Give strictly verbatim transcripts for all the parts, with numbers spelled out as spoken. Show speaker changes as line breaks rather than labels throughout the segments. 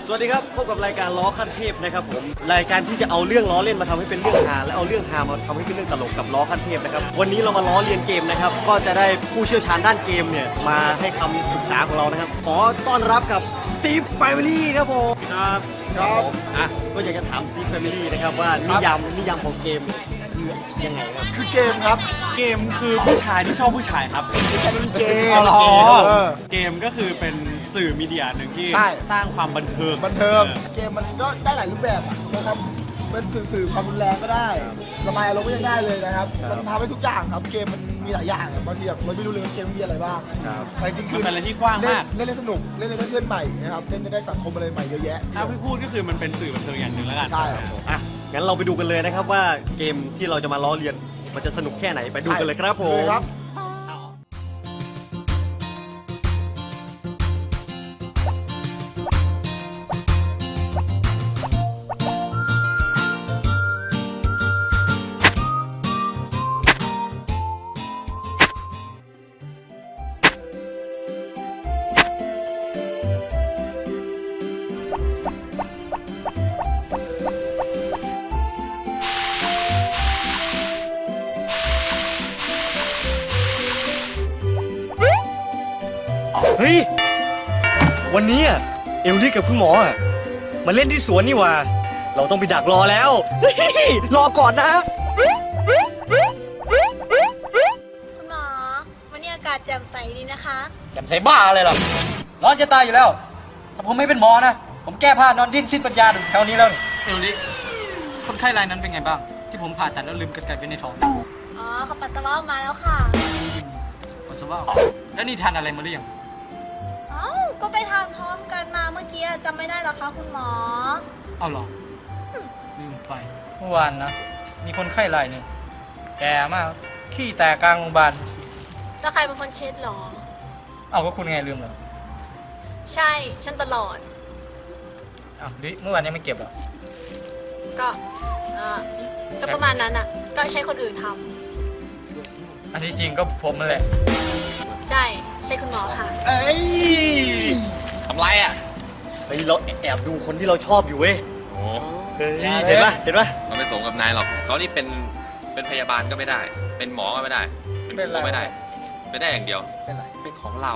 สวัสดีครับพบกับรายการล้อขั้นเทพนะครับผมรายการที่จะเอาเรื่องล้อเล่นมาทำให้เป็นเรื่องฮาและเอาเรื่องฮามาทำให้เป็นเรื่องตลกกับล้อขั้นเทพนะครับวันนี้เรามาล้อเรียนเกมนะครับก็จะได้ผู้เชี่ยวชาญด้านเกมเนี่ยมาให้คำปรึกษาของเรานะครับขอต้อนรับกับสตีฟแฟมิลี่ครับผมครับครับอ่ะก็อยากจะถามสตีฟแฟมิลี่นะครับว่านิยามนิยามของเกมคือยังไงครับ
คือเกมครับ
เกมคือผู้ชายที่ชอบผู้ชายครับ
เกม
อ๋อ
เออ
เกมก็คือเป็นสื่อมีเดียหนึ่งที่
ใช่
สร้างความบันเทิง
บันเทิงเกมมันก็ได้หลายรูปแบบอะนะครับเป็นสื่อสื่อความรุนแรงก็ได้ระบายอารมณ์ก็ยังได้เลยนะครับมันทำให้ทุกอย่างครับเกมมันมีหลายอย่างอะบางทีแบบเราไม่รู้เลยว่าเกมมีอะไรบ้างแต่จริงๆคือ
มันเป็นอะไรที่กว้างมาก
เล่นเล่นสนุกเล่นเล่นเพื่อนใหม่นะครับเล่นได้สังคมอะไรใหม่เยอะแยะ
ถ้าพี่พูดก็คือมันเป็นสื่อบันเทิงอย่างหนึ่งแล้วกัน
ใช่ครับผม
อ่ะงั้นเราไปดูกันเลยนะครับว่าเกมที่เราจะมาล้อเลียนมันจะสนุกแค่ไหนไปดูกันเลยครับผม
เลยครับ
เฮ้ยวันนี้อะเอลลี่กับคุณหมออะมาเล่นที่สวนนี่หว่า เราต้องไปดักรอแล้วเฮ้ยรอก่อนนะ
คุณหมอวันนี้อากาศแจ่มใสดีนะคะ
แจ่มใสบ้าอะไรล่ะร้อนจะตายอยู่แล้ว ถ้าผมไม่เป็นหมอนะ ผมแก้ผ้านอนดิ้นสิ้นปัญญาอยู่แถวนี้แล้ว
เอลลิคนไข้รายนั้นเป็นไงบ้าง ที่ผมผ่าตัดแล้วลืมกันไก่ไว้ในท้อง
อ๋อเขาปัสสาวะออกมาแล้วค่ะ
ปัสสาวะแล้วนี่ทานอะไรมาหรือยัง
เอ้าก็ไปทานพร้อมกันมาเมื่อกี้จำไม่ได้หรอคะคุณหมอ
เอาเหรอลืมไปเมื่อวานนะ มีคนไข้รายหนึ่งแก่มากขี้แตกกลางโรงพยาบาล
แล้วใครเป็นคนเช็ดหรอ
เอาก็คุณไงลืมเหรอ
ใช่ฉันตลอด
อ้าวลิเมื่อวานยังไม่เก็บเหรอ
ก็เออก็ประมาณนั้นอ่ะ ก็ใช้คนอื่นท
อันที่จริงก็ผมนั่นแหละ
ำใช่ใช่คุณหมอค่ะ
เอ้ย
ทำไรอ่ะ
เฮ้ยเราแอบดูคนที่เราชอบอยู่เว้ย
โอ้
เฮ้ยเห็นปะเห็นปะ
เราไม่สมกับนายหรอกเขานี่เป็นเป็นพยาบาลก็ไม่ได้ เป็นหมอก็ไม่ได้ เป็นครูก็ไม่ได้ ไม่ได้อย่างเดียว
เป็นไร
เป็นของเรา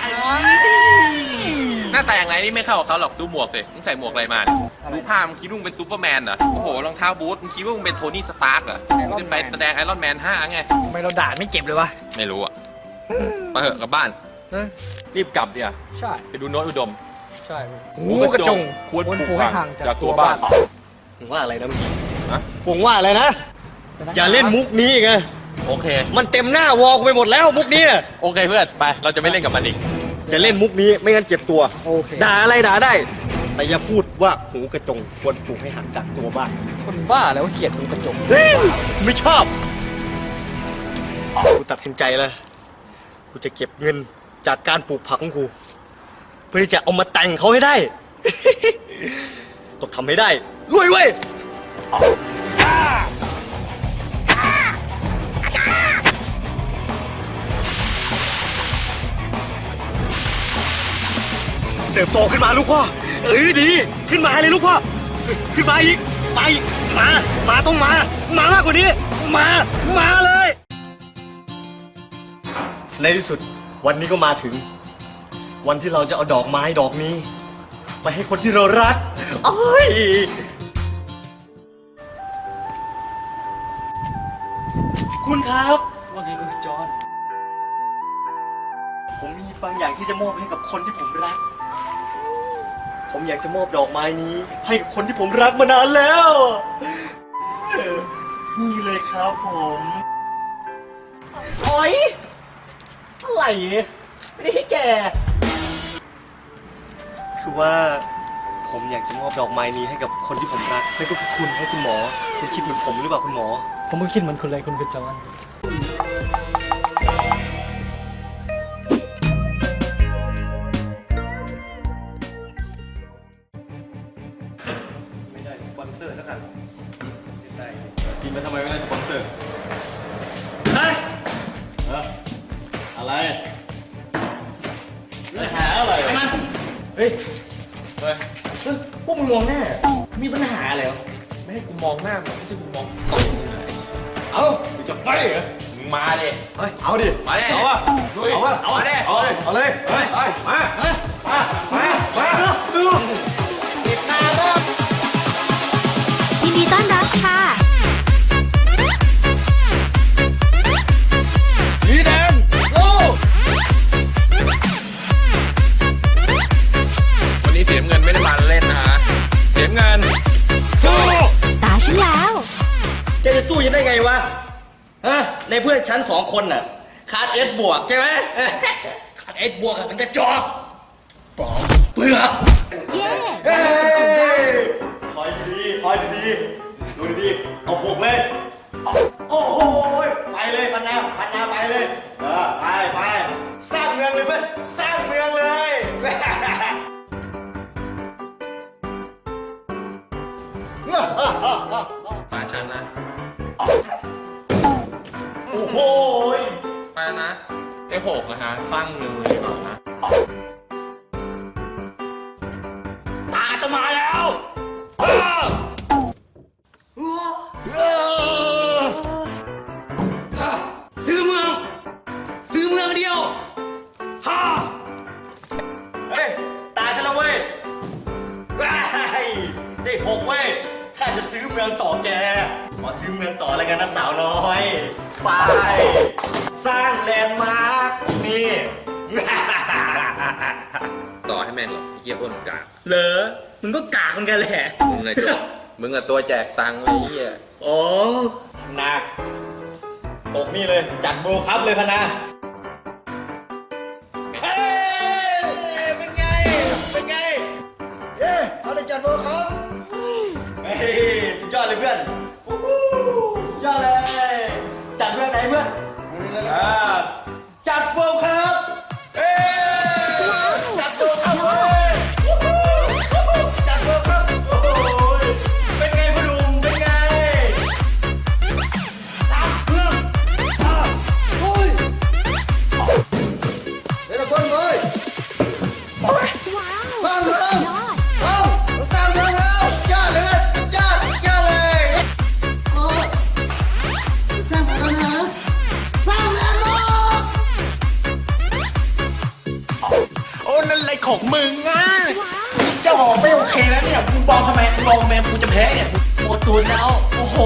หน้าตาอย่างไรนี่ไม่เข้ากับเขาหรอก ดูหมวกสิมึงใส่หมวกอะไรมาดูผ้ามึงคิดว่ามึงเป็นซูเปอร์แมนเหรอ โอ้โห รองเท้าบูทมึงคิดว่ามึงเป็นโทนี่สตาร์กเหรอมึงขึ้นไปแสดงไอรอนแมนห้าไง
ทำไมเราด่าไม่เจ็บเลยวะ
ไม่รู้อ่ะไปเถอะกลับบ้าน รีบกลับเดี๋ยว
ใช่
ไปดูโน้ตอุดม
ใช่
หูกระจงควรปลูกห่างจากตัวบ้าน
ผมว่าอะไรนะเมื่อกี้
ฮะ
ผมว่าอะไรนะ อย่าเล่นมุกนี้อีกไง
โอเค
มันเต็มหน้าวอลกูไปหมดแล้วมุกนี้อะ
โอเคเพื่อน ไป เราจะไม่เล่นกับมันอีก
จะเล่นมุกนี้ไม่งั้นเจ็บตัว
โอเค
ด่าอะไรด่าได้ แต่อย่าพูดว่าหูกระจงควรปลูกให้ห่างจากตัวบ้าน
คนบ้าแล้วเกลียดมันกระจก
เฮ้ยไม่ชอบกูตัดสินใจแล้วกูจะเก็บเงินจากการปลูกผักของกูเพื่อที่จะเอามาแต่งเขาให้ได้ ต้องทำให้ได้รวยเว้ยเติบโตขึ้นมาลูกพ่อเอ้ยดีขึ้นมาเลยลูกพ่อขึ้นมาอีกมาอีกมา มาต้องมา มามากกว่านี้ มา มาเลย ในที่สุดวันนี้ก็มาถึง วันที่เราจะเอาดอกไม้ดอกนี้ ไปให้คนที่เรารักโอ้ยคุณครับว่าไงคุณจอห์นผมมีบางอย่างที่จะมอบให้กับคนที่ผมรัก ผมอยากจะมอบดอกไม้นี้ ให้กับคนที่ผมรักมานานแล้วเออนี่เลยครับผมโอ๊ยอะไรเนี่ยไม่ได้ให้แกคือว่าผมอยากจะมอบดอกไม้นี้ให้กับคนที่ผมรักนั่นก็คือคุณให้คุณหมอคุณคิดเหมือนผมหรือเปล่าคุณหมอ
ผมก็คิดเหมือนคุณเลยคุณกระจก
ไม่ได้สปอนเซอร์สักอันได้กินมาทำไมไม่ได้สปอนเซอร์เฮ้ยอะไรอะไรหาอะไรเฮ้ย
เฮ้ย
เฮ้ยพวกมึงมองหน้า มีปัญหาอะไรเหรอ
ไม่ให้กูมองหน้ามึงไม่ใช่กูมอง
เอ้ามึงจะไฟเหรอ
มึงมาดิ
เฮ้ย เอาดิ
มาดิ
เอาวะ
ลุย
เอาวะ
เอาดิ
เอาเลย เอาเลย เฮ้ยมา มา มา มาสู้
ยินดีต้อนรับค่ะ
สีแดงโอ้
วันนี้เสียเงินไม่ได้มาเล่นนะฮะเสียเงินสู้
ตาฉันแล้ว
แกจะสู้ยังได้ไงวะ ฮะ ในเพื่อนชั้นสองคนน่ะ ขาดเอสบวกใช่ไหม ขาดเอสบวกอะมันจะจอบปอมเปลือก
เย้
เฮ้ยถอยดีๆถอยดีๆดูดีๆเอาหกเลย โอ้โห ไปเลยพันนาพันนาไปเลย เออ ไปไปสร้างเมืองเลยเพื่อน สร้างเมืองเลย
ตาฉันนะ
โอ้โห
ไปนะไอ้หกนะฮะสร้างเมืองเลยดีกว่านะ
ตาจะมาแล้วเออเออซื้อเมือง ซื้อเมืองเดียวฮ่าเฮ้ย ตาฉันแล้วเว้ยว้ายได้หกเว้ย ข้าจะซื้อเมืองต่อแก ขอซื้อเมืองต่อแล้วกันนะสาวน้อย ไป สร้างแลนด์มาร์ค นี่
ต่อให้แม่งหรอกไอ้เหี้ยอ้วนกาก
เหรอ มึงก็กากเหมือนกันแหละ
มึงไงจ๊ะมึงอะตัวแจกตังค์ไอ้เหี้ย
โอ้หนักตกนี่เลย จัดโบว์ครับเลยพะนะเฮ้ยเป็นไง เป็นไง
เย้เอาได้จัดโบครับ
เฮ้ย สุดยอดเลยเพื่อนโอ้โหสุดยอดเลย จัดเพื่อนไหนเพื่อนอ่าจัดโบว์ครับเอ้ยจัดโบว์ครับเว้ยโอ้โหจัดโบว์ครับโอ้โหเป็นไงพ่อหนุ่มเป็นไง
โอ้ยเดี๋ยวเราเพิ่มเลย
ว้าว
สร้างเมือง
ยอด
เอาเราสร้างเมืองแล้วยอดเลยนะยอดยอดเลยโอ้สร้างเมืองแล้วนะสร้างแลนด์มาร์ค
โอ้นั่นอะไรของมึงอ่ะ
เจ้าหอไม่โอเคแล้วเนี่ยมึงบอลทำไมมึงบอลแมนกูจะแพ้เนี่ยหมดตูนแล้ว โอ้โห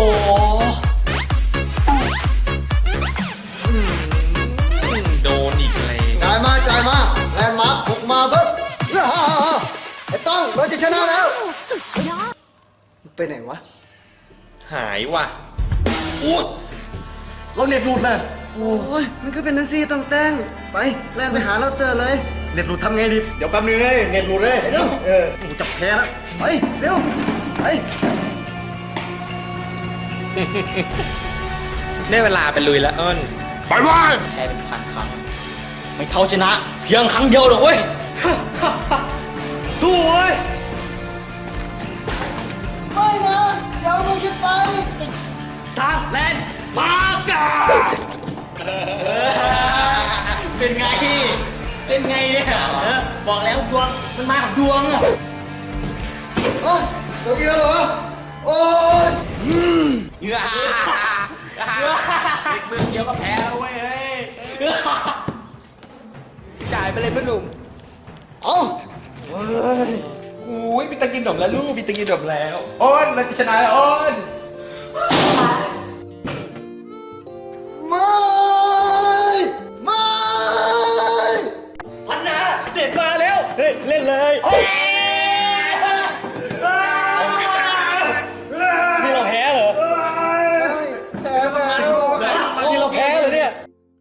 โดนอีกเลย
จ่ายมาจ่ายมาแลนด์มาร์คบุกมาเบิ้ลไอ้ต้องเราจะชนะแล้ว
สุดยอด
ไปไหนวะ
หายว่ะ
อู้เราเน็ตหลุดนะ
โอ้ยมันก็เป็นนังซี่ต้องแต่งไปแล่นไปหาเราเตอร์เลย
เน็ตหลุดทำไงดี เดี๋ยวแป๊บนึงเลยเน็ตหลุดเลย
เร็ว
เออกูจะแพ้แล้ว
ไปเร็วไป
ได้เวลาไปลุยแล้วเอิ้น
ไปว่าแพ้เป็นพันครั้ง ไม่เท่าชนะ เพียงครั้งเดียวหรอกเว้ย
สู้เว้ย
ไม่นะเดี๋ยวมึงฉันไป
สร้างแลนด์มาร์กาเป็นไง เป็นไงเนี่ยเออบอกแล้วดวง มันมากับดวงอะ
เอ้ยตัวเกียวเหรอวะโอ้ย
เฮ้ยเด็กมึงเดียวก็แพ้แล้วเว้ยเฮ้ย จ่ายไปเลยพ่อหนุ่ม
เอา
อุ้ยมีตังกินดมแล้วลูกมีตังกินดมแล้วอ้อนเราจะชนะแล้วอ้อน
ไม่ไม่
พันนาเด็ดมาแล้ว เฮ้ย เล่นเลยนี่เราแพ้เหรอ
แพ้ก็ผ่านโลกอะ
นี่เราแพ้เหรอเนี่ย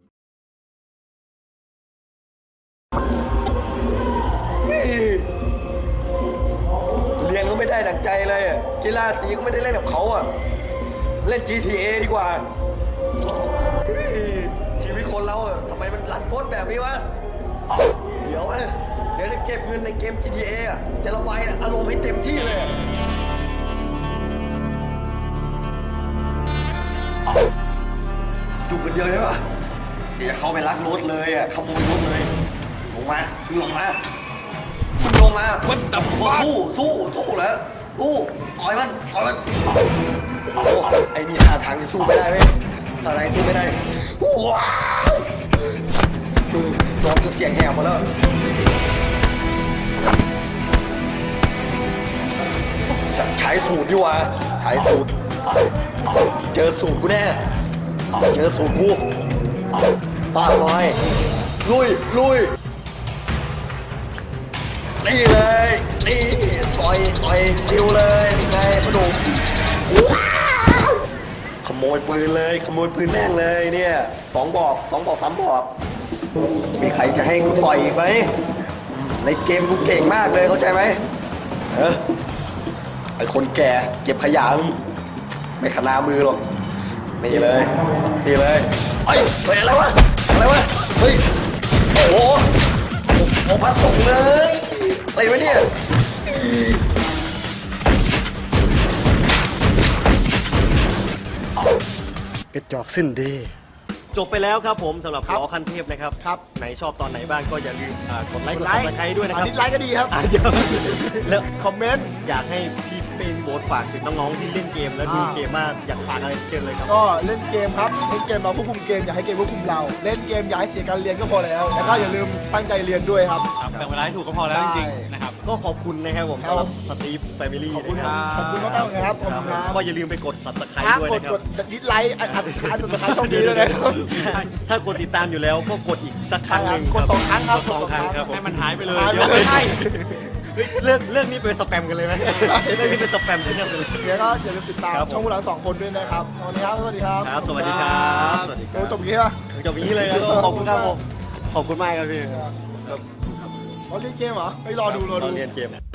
เรียนก็ไม่ได้ดังใจเลยอะกีฬาสีก็ไม่ได้เล่นกับเขาอ่ะ เล่น จี ที เอ ดีกว่าเฮ้ยชีวิตคนเราอะทำไมมันรันทดแบบนี้วะ เดี๋ยวอะเดี๋ยวจะเก็บเงินในเกม จี ที เอ อะจะระบายอารมณ์ให้เต็มที่เลยอะอยู่คนเดียวใช่ปะเดี๋ยวจะเข้าไปลักรถเลยอ่ะขโมยรถเลย ลงมาลงมาลลงมาวัดดับสู้สู้สู้แล้วสู้ต่อยมันต่อยมันโอ้โหไอ้นี่ท่าทางจะสู้ไม่ได้ไหมท่าทางสู้ไม่ได้ว้าวคือร้องจนเสียงแหบหมดแล้วใช้สูตรดีกว่าใช้สูตรเจอสูตรกูแน่เจอสูตรกูป้าบอยลุยลุยนี่เลยนี่ต่อยต่อยคิวเลยนี่ไงพนุขโมยปืนเลยขโมยปืนแม่งเลยเนี่ยสองบอกสองบอกสามบอกมีใครจะให้กูต่อยอีกไหมในเกมกูเก่งมากเลยเข้าใจไหมเออไอคนแก่เก็บขยะไม่ขนามือหรอกนี่เลยนี่เลยเฮ้ยเฮ้ยอะไรวะอะไรวะเฮ้ยโอ้โหโอ้พระสงฆ์เลยอะไรวะเนี่ยกระจอกสิ้นดีจบไปแล้วครับผมสำหรับล้อขั้นเทพนะครับครับไหนชอบตอนไหนบ้างก็อย่าลืมอ่ากดไลค์กดซับสไครต์ด้วยนะครับ
ดิสไลค์ก็ดีครับ
อ่ะเดี๋ยวแล้ว
คอมเมนต์
อยากให้พี่เป็นโบสฝากถึงน้องๆที่เล่นเกมแล้วดูเกมว่าอยากฝากอะไรเกมเลยครับ
ก็เล่นเกมครับเล่นเกมเราควบคุมเกมอย่าให้เกมควบคุมเราเล่นเกมอย่าให้เสียการเรียนก็พอแล้วแล้วก็อย่าลืมตั้งใจเรียนด้วยครับ
ครับแบ่งเวลาให้ถูกก็พอแล้วจริงๆนะครับ
ก็ขอบคุณนะครับผม
ครั
สำ
บ
หรับสตีฟแฟมิลี่
ขอบคุณ
นะ
ค
ค
รั
รั
บบ ขอบคุณมากๆเลยครับขอบคุณครับ
ก็อย่าลืมไปกด subscribe
ครับ
ด้วย
กด
นะค
ก
รับ
ดดิสไลค์อัดอัดอัดสุดท้ายช่องนี้ด้วยนะครับ
ถ้ากดติดตามอยู่แล้วก็กดอีกสักครั้งหนึ่ง
กดสองครั้งครับ
กดสองครั้งครับผม
ให้มันหายไปเลย
หายไป
เดี๋ยว
เลย
ไม่ใช่
เฮ้ยเรื่องเรื่องนี้เป็นสแปมกันเลยไหมเรื่องนี้เป็นสแปมที่เนี่ยเลย
เดี๋ยวก็อย่าลืมติดตาม
ครับผม
ช่องพวกเราสองคนด้วยนะครับสวัสดีครับสวัสดีครับ
ครับสวัสดีครับสวัสดีครับ
โอ้จบอย่างนี้ป่ะ
จบอย่างนี้เลยนะขอบคุณครับผมขอบคุณมากครับพี่
เขาเล่นเกมเหรอไปรอดูรอดู
เรียนเกม